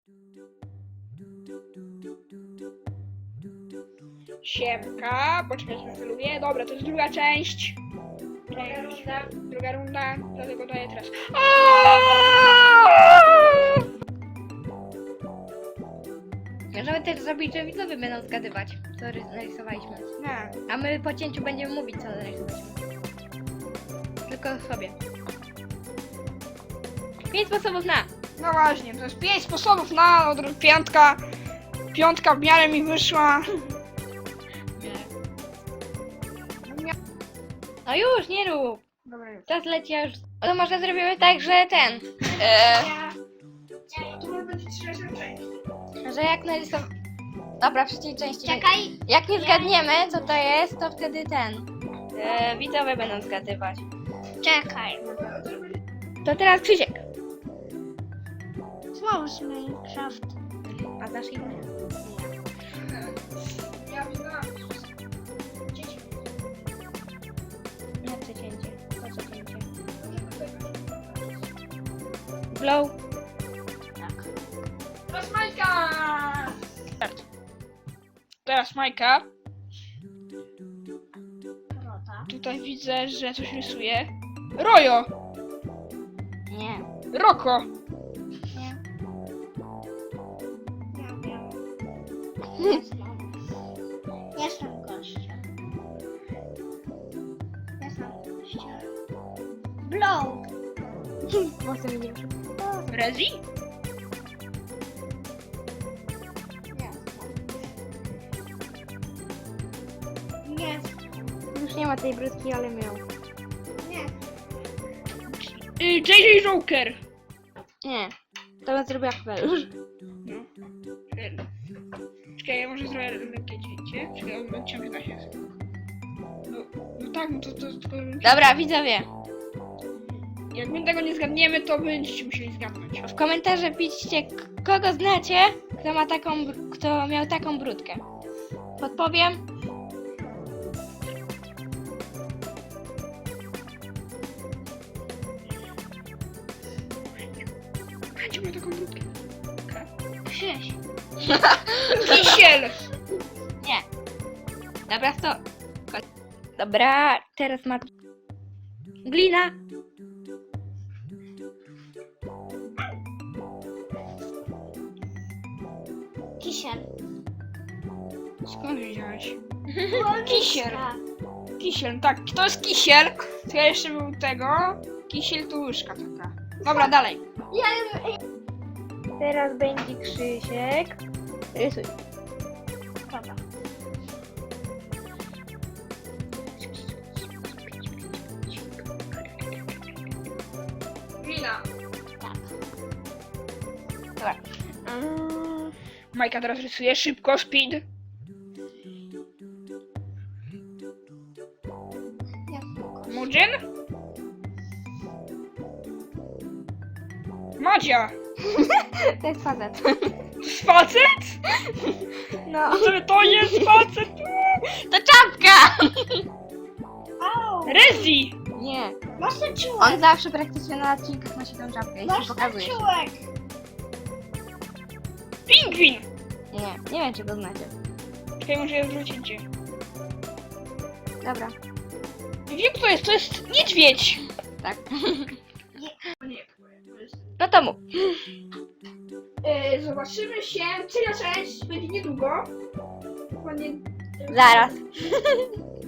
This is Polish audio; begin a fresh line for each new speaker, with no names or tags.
Siemka, poczekaj, że wylubię. Dobra, to jest druga część. Druga runda, dlatego daję teraz.
Możemy też zrobić, że widzowie będą zgadywać, co narysowaliśmy.
Nie.
A my po cięciu będziemy mówić, co narysowaliśmy. Tylko sobie. 5 sposobów na.
No właśnie, to jest 5 sposobów na piątka. Piątka w miarę mi wyszła.
No już, nie rób.
Dobra, już.
Czas leci, ja już... To może zrobimy tak, że ten...
To może być trzecia część.
że jak narysować... Dobra, w trzeciej części...
Czekaj.
Jak nie zgadniemy, co to jest, to wtedy ten... widzowie będą zgadywać.
Czekaj.
To teraz Krzysiek.
Znowu z Minecraft.
A znasz inne?
Ja wyznałam.
Nie, przecięcie. To przecięcie. Blow.
Tak.
Teraz Majka! Start. Teraz Majka.
Rota.
Tutaj widzę, że coś rysuje. Rojo!
Nie.
Roko!
Nie.
Ja wiem. Jestem gościem. Jestem gościem. Blow.
Może mi nie wyszło.
Rezi?
Nie.
Już nie ma tej brudki, ale miał.
Nie.
JJ Joker!
Nie. To bym zrobiła kapelusz.
No. Czekaj, ja może zrobię lekkie cięcie. Czekaj, on ciągle da się. No tak, no to tylko...
Dobra, widzowie.
Jak my tego nie zgadniemy, to będziecie musieli zgadnąć.
W komentarze piszcie, kogo znacie, kto miał taką brudkę. Podpowiem.
Będzie miał taką brudkę.
Krzyś.
Kisiel!
Nie. Dobra, to. Dobra, teraz ma... Glina.
Kisiel.
Skąd wiedziałeś?
Kisiel.
Kisiel, tak, to jest kisiel. To ja jeszcze był tego. Kisiel to łyżka taka. Dobra, dalej.
Teraz będzie Krzysiek. Rysuj.
Dobra.
Glina.
Tak.
Dobra.
Majka teraz rysuje szybko, speed.
Jestem gościem.
Mudzin? Madzia!
To jest facet.
To jest facet?
No.
To jest facet!
To czapka!
Au.
Rezi!
Nie.
Masz ten
On
czułek.
zawsze praktycznie na odcinkach nosi tą czapkę i
Masz
się
ten
pokazuje.
czułek.
Pingwin!
Nie wiem, czy go znacie.
Czekaj, może ja zrobię cięcie.
Dobra.
Wiem, kto to jest. To jest niedźwiedź!
Tak.
Nie.
No to mów.
Zobaczymy się. Trzecia część będzie niedługo. Dokładnie.
Zaraz.